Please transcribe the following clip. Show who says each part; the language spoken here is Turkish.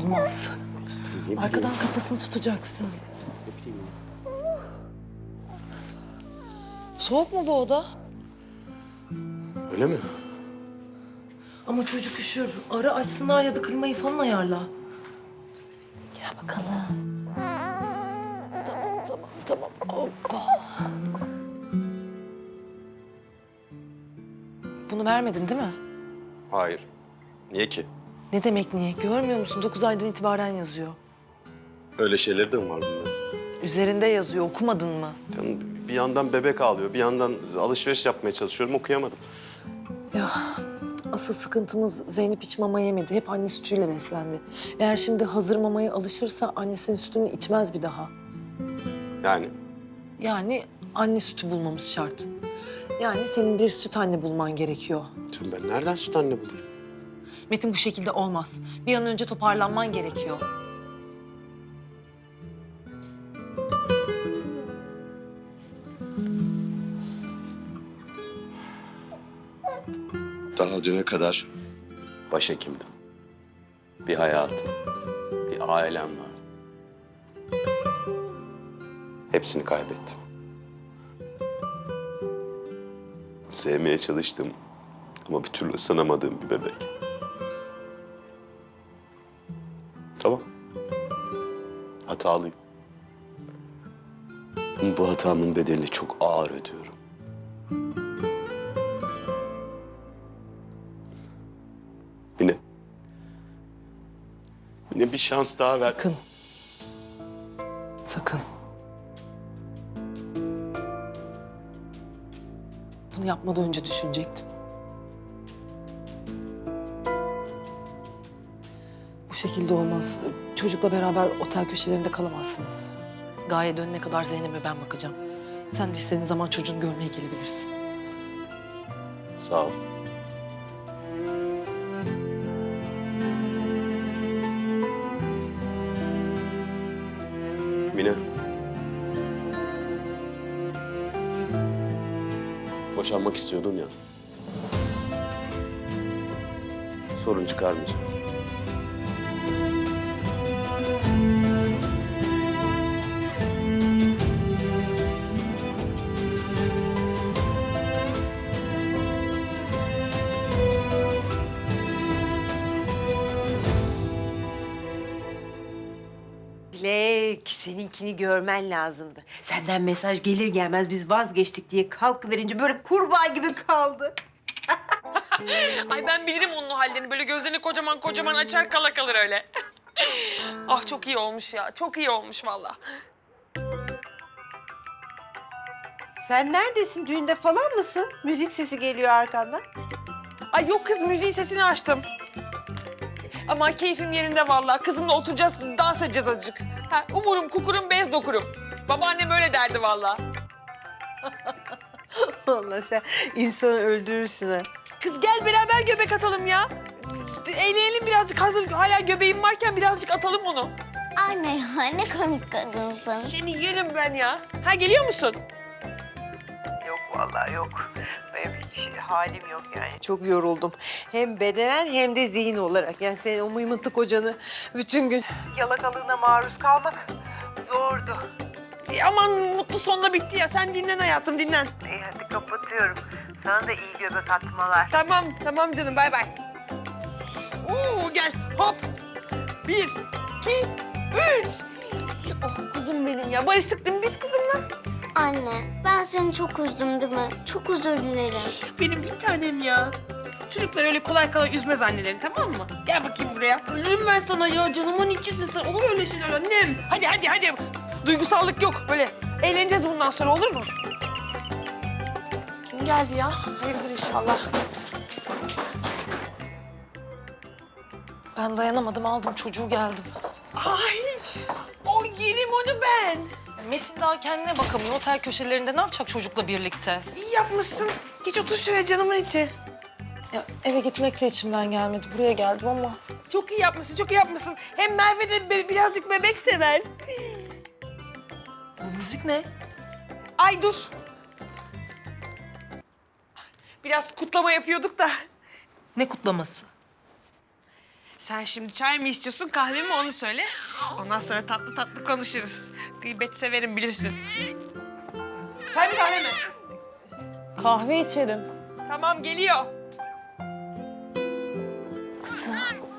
Speaker 1: Olmaz.
Speaker 2: Ne bileyim,
Speaker 1: Arkadan kafasını tutacaksın.
Speaker 2: ne bileyim.
Speaker 1: Soğuk mu bu oda?
Speaker 2: Öyle mi?
Speaker 1: Ama çocuk üşür. Ara açsınlar ya da klimayı falan ayarla. Gel bakalım. Tamam. Hoppa. Bunu vermedin değil mi?
Speaker 2: Hayır. Niye ki?
Speaker 1: Ne demek niye? Görmüyor musun? 9 aydan itibaren yazıyor.
Speaker 2: Öyle şeyleri de mi var bunda?
Speaker 1: Üzerinde yazıyor. Okumadın mı?
Speaker 2: Yani bir yandan bebek ağlıyor, bir yandan alışveriş yapmaya çalışıyorum, okuyamadım.
Speaker 1: Ya asıl sıkıntımız Zeynep hiç mama yemedi. Hep anne sütüyle beslendi. Eğer şimdi hazır mamaya alışırsa annesinin sütünü içmez bir daha.
Speaker 2: Yani
Speaker 1: Yani anne sütü bulmamız şart. Yani senin bir süt anne bulman gerekiyor.
Speaker 2: şimdi ben nereden süt anne bulayım?
Speaker 1: Metin bu şekilde olmaz. Bir an önce toparlanman gerekiyor.
Speaker 3: Daha düne kadar
Speaker 2: Başhekimdim. Bir hayatım, bir ailem vardı. Hepsini kaybettim. Sevmeye çalıştım ama bir türlü ısınamadığım bir bebek. Tamam. Hatalıyım. Ama bu hatamın bedelini çok ağır ödüyorum. Yine. Yine bir şans daha ver.
Speaker 1: Sakın. Sakın. Bunu yapmadan önce düşünecektin. Bu şekilde olmaz. Çocukla beraber otel köşelerinde kalamazsınız. Gaye dönene kadar Zeynep'e ben bakacağım. Sen de istediğin zaman çocuğunu görmeye gelebilirsin.
Speaker 2: Sağ ol. Mine. Boşanmak istiyordun ya. Sorun çıkarmayacağım.
Speaker 4: Dilek, seninkini görmen lazımdı. Senden mesaj gelir gelmez biz vazgeçtik diye kalkıverince böyle kurbağa gibi kaldı.
Speaker 5: Ay ben bilirim onun hallerini. Böyle gözlerini kocaman kocaman açar kala kalır öyle. Ah çok iyi olmuş ya. Çok iyi olmuş vallahi.
Speaker 4: Sen neredesin? Düğünde falan mısın? Müzik sesi geliyor arkandan.
Speaker 5: Ay yok kız müziğin sesini açtım. Ama keyfim yerinde vallahi. Kızımla oturacağız, dans edeceğiz azıcık. Ha, umurum kukurum bez dokurum. Babaannem öyle derdi vallahi.
Speaker 4: Vallahi sen insanı öldürürsün ha.
Speaker 5: Kız gel beraber göbek atalım ya. Eğlenelim birazcık. Hazır hala göbeğim varken birazcık atalım onu.
Speaker 6: Anne ya ne komik kadınsın.
Speaker 5: Seni yerim ben ya. Ha geliyor musun?
Speaker 4: Yok vallahi yok. Benim hiç halim yok yani. Çok yoruldum. Hem bedenen hem de zihin olarak. Yani senin o mıymıntı kocanı bütün gün yalakalığına maruz kalmak zordu.
Speaker 5: Aman mutlu sonla bitti ya. Sen dinlen hayatım dinlen.
Speaker 4: İyi hadi kapatıyorum. Sana da iyi göbek atmalar.
Speaker 5: Tamam canım bay bay. Oo gel hop. 1, 2, 3. Oh kuzum benim ya. Barıştık değil mi biz kızımla?
Speaker 6: Anne ben seni çok üzdüm değil mi? Çok özür dilerim.
Speaker 5: Benim bir tanem ya. Çocuklar öyle kolay kolay üzmez annelerini tamam mı? Gel bakayım buraya. Ölürüm ben sana ya. Canımın içisin sen. Olur öyle şeyler annem. Hadi. Duygusallık yok. Böyle eğleneceğiz bundan sonra olur mu? Kim geldi ya? Hayırdır inşallah.
Speaker 1: Ben dayanamadım, aldım çocuğu geldim.
Speaker 5: Ay, o yerim onu ben.
Speaker 1: Metin daha kendine bakamıyor. Otel köşelerinde ne yapacak çocukla birlikte?
Speaker 5: İyi yapmışsın. Geç otur şöyle canımın içi.
Speaker 1: Ya eve gitmek de içimden gelmedi. Buraya geldim ama.
Speaker 5: Çok iyi yapmışsın. Hem Merve de birazcık bebek sever.
Speaker 1: Bu müzik ne?
Speaker 5: Ay dur. Biraz kutlama yapıyorduk da.
Speaker 1: Ne kutlaması?
Speaker 5: Sen şimdi çay mı istiyorsun, kahve mi onu söyle. Ondan sonra tatlı tatlı konuşuruz. Gıybet severim bilirsin. Çay mı kahve mi?
Speaker 1: Kahve içerim.
Speaker 5: Tamam geliyor.
Speaker 1: Kızım.